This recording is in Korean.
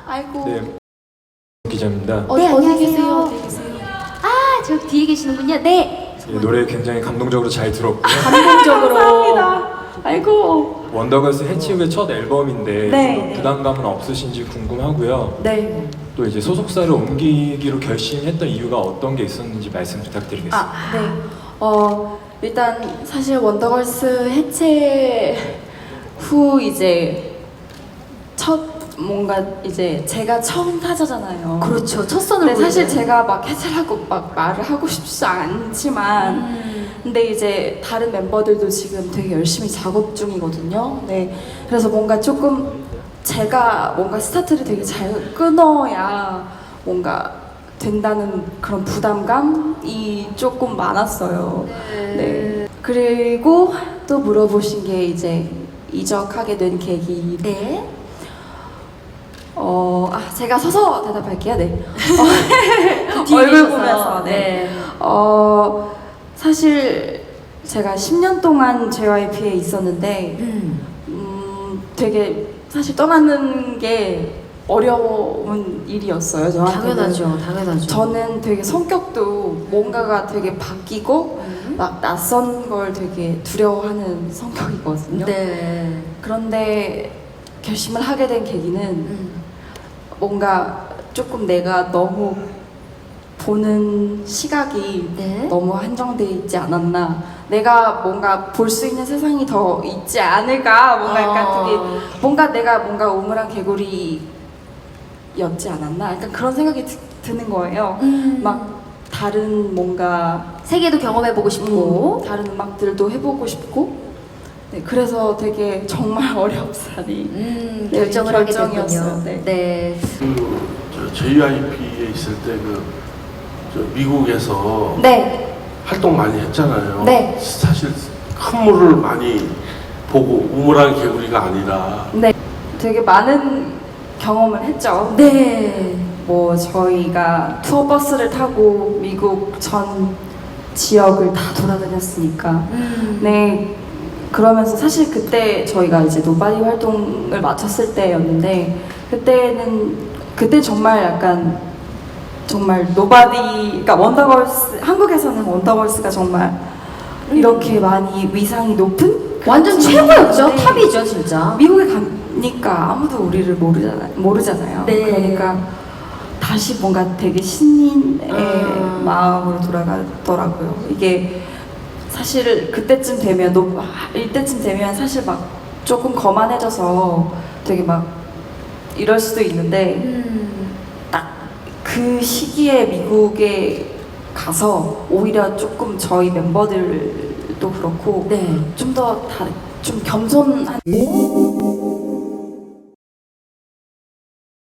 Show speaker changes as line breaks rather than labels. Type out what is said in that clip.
아이고.
네, 기자입니다.
네,
어디
안녕하세요.
계세요?
어디 계세요?
아, 저 뒤에 계시는군요. 네.
예, 노래 굉장히 감동적으로 잘 들었고요.
감동적으로. 감사합니다. 아이고.
원더걸스 해치우의 첫 앨범인데
네.
좀 부담감은 없으신지 궁금하고요.
네.
또 이제 소속사를 옮기기로 결심했던 이유가 어떤 게 있었는지 말씀 부탁드리겠습니다.
네. 일단 사실 원더걸스 해체 후 이제 첫 뭔가 이제 제가 처음 타자잖아요.
그렇죠. 첫 선을
근데 사실
보여줘요.
제가 막 해체라고 막 말을 하고 싶지 않지만 근데 이제 다른 멤버들도 지금 되게 열심히 작업 중이거든요. 네. 그래서 뭔가 조금 제가 뭔가 스타트를 되게 잘 끊어야 뭔가 된다는 그런 부담감이 조금 많았어요. 네. 그리고 또 물어보신 게 이제 이적하게 된 계기.
네.
제가 서서 대답할게요. 네.
뒤에
얼굴
계셔서.
보면서. 네.
네.
사실 제가 10년 동안 JYP에 있었는데 되게 사실 떠나는 게 어려운 일이었어요. 저한테는.
당연하죠. 당연하죠.
저는 되게 성격도 뭔가가 되게 바뀌고 막 낯선 걸 되게 두려워하는 성격이거든요.
네.
그런데 결심을 하게 된 계기는 뭔가 조금 내가 너무 보는 시각이
네.
너무 한정돼 있지 않았나. 내가 뭔가 볼 수 있는 세상이 더 있지 않을까. 뭔가 약간 그게 뭔가 내가 뭔가 우물한 개구리였지 않았나. 약간 그런 생각이 드는 거예요. 막 다른 뭔가
세계도 경험해보고 싶고.
다른 음악들도 해보고 싶고. 네, 그래서 되게 정말 어렵사리
결정을 하게
결정이었어요.
됐군요.
네.
네.
저 JYP에 있을 때 저 미국에서
네.
활동 많이 했잖아요.
네.
사실 큰 물을 많이 보고 우물한 개구리가 아니라
네. 되게 많은 경험을 했죠.
네.
뭐 저희가 투어 버스를 타고 미국 전 지역을 다 돌아다녔으니까. 네. 그러면서 사실 그때 저희가 이제 노바디 활동을 마쳤을 때였는데 그때 정말 약간 정말 노바디, 그러니까 원더걸스, 한국에서는 원더걸스가 정말 이렇게 많이 위상이 높은
완전
그런
최고였죠.
팀이었는데
탑이죠, 진짜.
미국에 가니까 아무도 우리를 모르잖아요.
네.
그러니까 다시 뭔가 되게 신인의 마음으로 돌아가더라고요. 이게 사실 그때쯤 되면 이때쯤 되면 사실 막 조금 거만해져서 되게 막 이럴 수도 있는데 딱 그 시기에 미국에 가서 오히려 조금 저희 멤버들도 그렇고
네.
좀 더 좀 겸손한